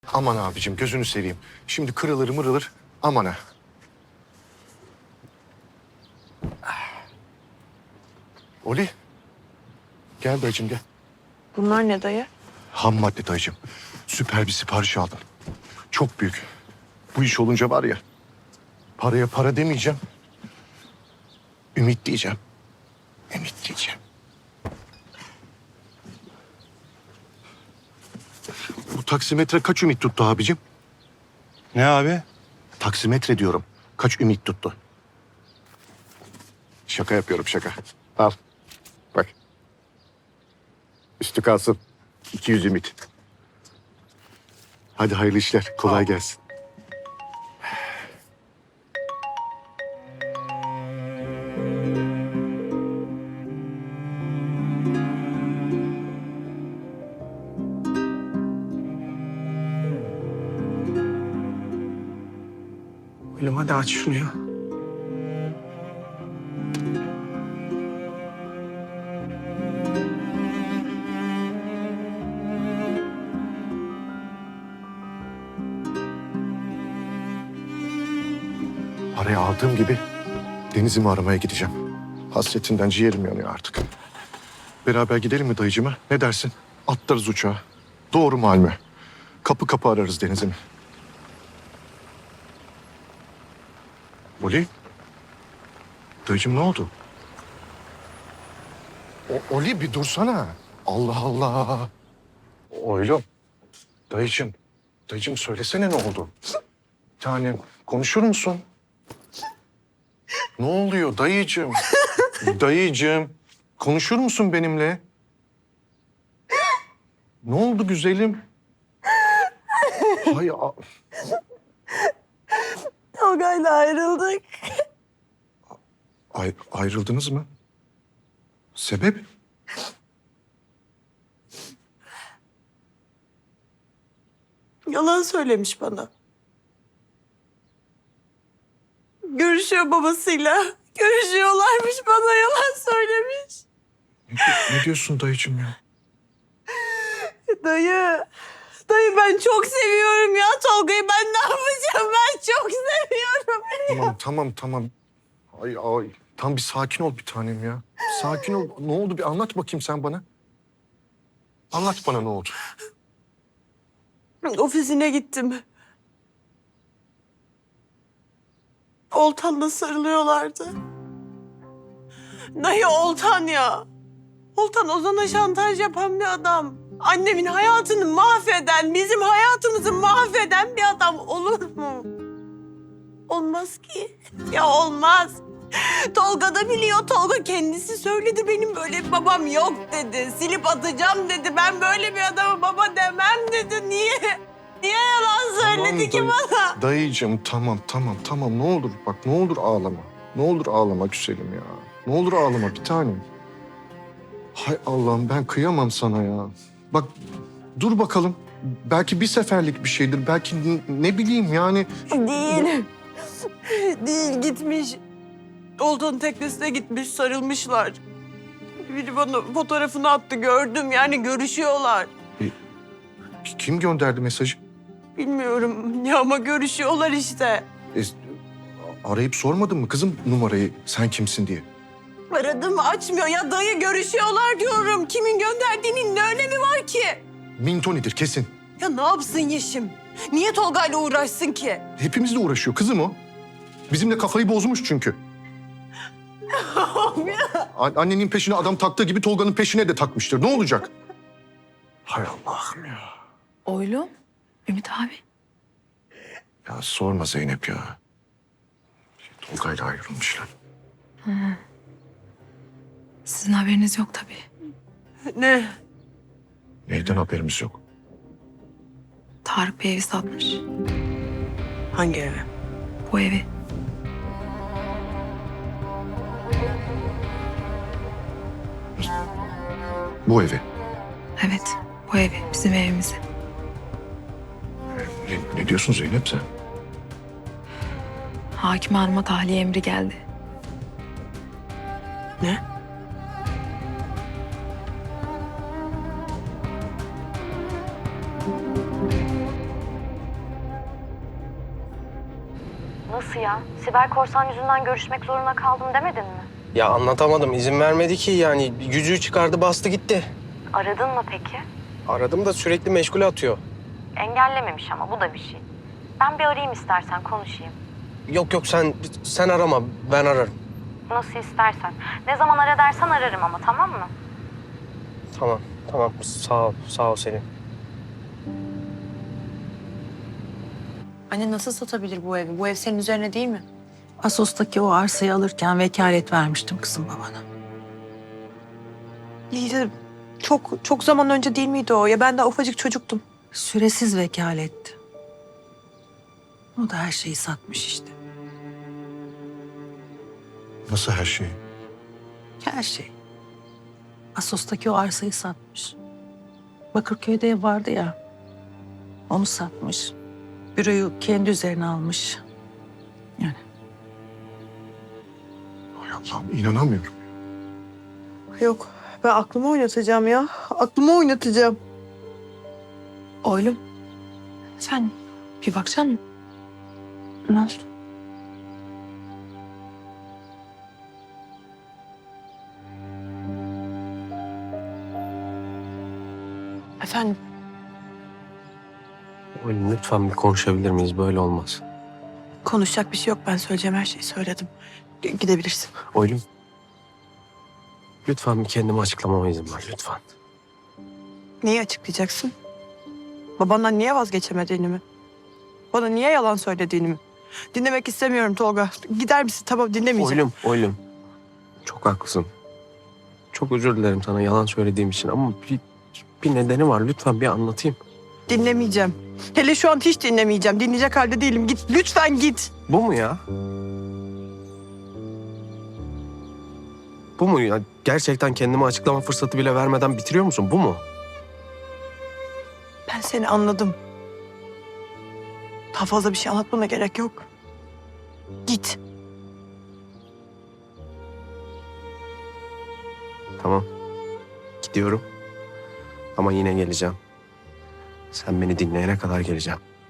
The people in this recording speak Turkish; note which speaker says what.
Speaker 1: Aman abicim gözünü seveyim. Şimdi kırılır mırılır aman ha. Oli. Gel dayıcım gel.
Speaker 2: Bunlar ne dayı?
Speaker 1: Ham madde dayıcım. Süper bir sipariş aldım. Çok büyük. Bu iş olunca var ya. Paraya para demeyeceğim. Ümit diyeceğim. Ümit diyeceğim. Bu taksimetre kaç ümit tuttu abicim?
Speaker 3: Ne abi?
Speaker 1: Taksimetre diyorum. Kaç ümit tuttu? Şaka yapıyorum şaka. Al. Bak. Üstü kalsın. 200 ümit. Hadi hayırlı işler. Kolay gelsin.
Speaker 2: Oğlum hadi aç şunu ya.
Speaker 1: Parayı aldığım gibi Deniz'imi aramaya gideceğim. Hasretinden ciğerim yanıyor artık. Beraber gidelim mi dayıcıma? Ne dersin? Atlarız uçağa. Doğru Malmö. Kapı kapı ararız Deniz'imi. Oli? Dayıcım ne oldu? Oli bir dursana. Allah Allah. Oğlum. Dayıcım. Dayıcım söylesene ne oldu? Bir tanem konuşur musun? Ne oluyor dayıcım? Dayıcım. Konuşur musun benimle? Ne oldu güzelim? Hay
Speaker 2: Tolga'yla ayrıldık.
Speaker 1: ayrıldınız mı? Sebep?
Speaker 2: Yalan söylemiş bana. Görüşüyor babasıyla. Görüşüyorlarmış, bana yalan söylemiş.
Speaker 1: Ne diyorsun dayıcım ya?
Speaker 2: Dayı. Dayı ben çok seviyorum ya Tolga'yı. Ben ne yapacağım? Ben çok seviyorum.
Speaker 1: Tamam. Ay. Tam bir sakin ol bir tanem ya. Sakin ol. Ne oldu bir anlat bakayım sen bana. Anlat bana ne oldu?
Speaker 2: Ofisine gittim. Oltan'la sarılıyorlardı. Dayı Oltan ya. Oltan Ozan'a şantaj yapan bir adam. Annemin hayatını mahveden, bizim hayatımızı mahveden bir adam olur mu? Olmaz ki. Ya olmaz. Tolga da biliyor. Tolga kendisi söyledi. Benim böyle bir babam yok dedi. Silip atacağım dedi. Ben böyle bir adama baba demem dedi. Niye? Niye yalan söyledi ki bana?
Speaker 1: Dayıcım tamam. Ne olur bak ne olur ağlama. Ne olur ağlama güzelim ya. Ne olur ağlama bir tanem. Hay Allah'ım ben kıyamam sana ya. Bak dur bakalım. Belki bir seferlik bir şeydir. Belki ne bileyim yani.
Speaker 2: Değil. Değil gitmiş. Oltan'ın teknesine gitmiş, sarılmışlar. Biri bana fotoğrafını attı, gördüm. Yani görüşüyorlar.
Speaker 1: Kim gönderdi mesajı?
Speaker 2: Bilmiyorum ya ama görüşüyorlar işte.
Speaker 1: Arayıp sormadın mı kızım numarayı sen kimsin diye?
Speaker 2: Aradım açmıyor. Ya dayı görüşüyorlar diyorum. Kimin gönderdiğinin ne önemi var ki?
Speaker 1: Mintonidir kesin.
Speaker 2: Ya ne yapsın Yeşim? Niye Tolga'yla uğraşsın ki?
Speaker 1: Hepimizle uğraşıyor kızım o. Bizimle kafayı bozmuş çünkü. Annenin peşine adam taktığı gibi Tolga'nın peşine de takmıştır. Ne olacak? Hay Allah'ım ya.
Speaker 4: Oğlum, Ümit abi.
Speaker 1: Ya sorma Zeynep ya. Tolga'yla ayrılmışlar.
Speaker 4: Sizin haberiniz yok tabii.
Speaker 2: Ne?
Speaker 1: Neyden haberimiz yok?
Speaker 4: Tarık bir evi satmış.
Speaker 2: Hangi eve?
Speaker 4: Bu evi.
Speaker 1: Bu evi.
Speaker 4: Evet, bu evi. Bizim evimizi.
Speaker 1: Ne diyorsun Zeynep sen?
Speaker 4: Hakim hanıma tahliye emri geldi.
Speaker 2: Ne?
Speaker 5: Nasıl ya? Sibel Korsan yüzünden görüşmek zorunda kaldım demedin mi?
Speaker 6: Ya anlatamadım. İzin vermedi ki yani. Yüzüğü çıkardı bastı gitti.
Speaker 5: Aradın mı peki?
Speaker 6: Aradım da sürekli meşgule atıyor.
Speaker 5: Engellememiş ama bu da bir şey. Ben bir arayayım istersen konuşayım.
Speaker 6: Yok yok sen arama, ben ararım.
Speaker 5: Nasıl istersen. Ne zaman ara dersen ararım ama, tamam mı?
Speaker 6: Tamam sağ ol Selin.
Speaker 7: Anne nasıl satabilir bu evi? Bu ev senin üzerine değil mi?
Speaker 8: Asos'taki o arsayı alırken vekalet vermiştim kızım babana.
Speaker 2: İyi de çok zaman önce değil miydi o? Ya ben daha ufacık çocuktum.
Speaker 8: Süresiz vekaletti. O da her şeyi satmış işte.
Speaker 1: Nasıl her şey?
Speaker 8: Her şey. Asos'taki o arsayı satmış. Bakırköy'de ev vardı ya. Onu satmış. Büroyu kendi üzerine almış. Yani
Speaker 1: Hay Allah'ım inanamıyorum.
Speaker 2: Yok, ben aklımı oynatacağım ya. Aklımı oynatacağım.
Speaker 4: Oğlum sen bir bakacak mısın?
Speaker 8: ne oldu?
Speaker 2: Efendim?
Speaker 6: Oğlum lütfen bir konuşabilir miyiz? Böyle olmaz.
Speaker 2: Konuşacak bir şey yok. Ben söyleyeceğim her şeyi söyledim. Gidebilirsin.
Speaker 6: Oğlum. Lütfen bir kendimi açıklamama izin ver lütfen.
Speaker 2: Neyi açıklayacaksın? Babandan niye vazgeçemediğini mi? Bana niye yalan söylediğini mi? Dinlemek istemiyorum Tolga. Gider misin? Tamam, dinlemeyeceğim.
Speaker 6: Oğlum. Çok haklısın. Çok özür dilerim sana yalan söylediğim için ama bir nedeni var. Lütfen bir anlatayım.
Speaker 2: Dinlemeyeceğim. Hele şu an hiç dinlemeyeceğim. Dinleyecek halde değilim. Git. Lütfen git.
Speaker 6: Bu mu ya? Bu mu ya? Gerçekten kendime açıklama fırsatı bile vermeden bitiriyor musun? Bu mu?
Speaker 2: Ben seni anladım. Daha fazla bir şey anlatmana gerek yok. Git.
Speaker 6: Tamam. Gidiyorum. Ama yine geleceğim. Sen beni dinleyene kadar geleceğim.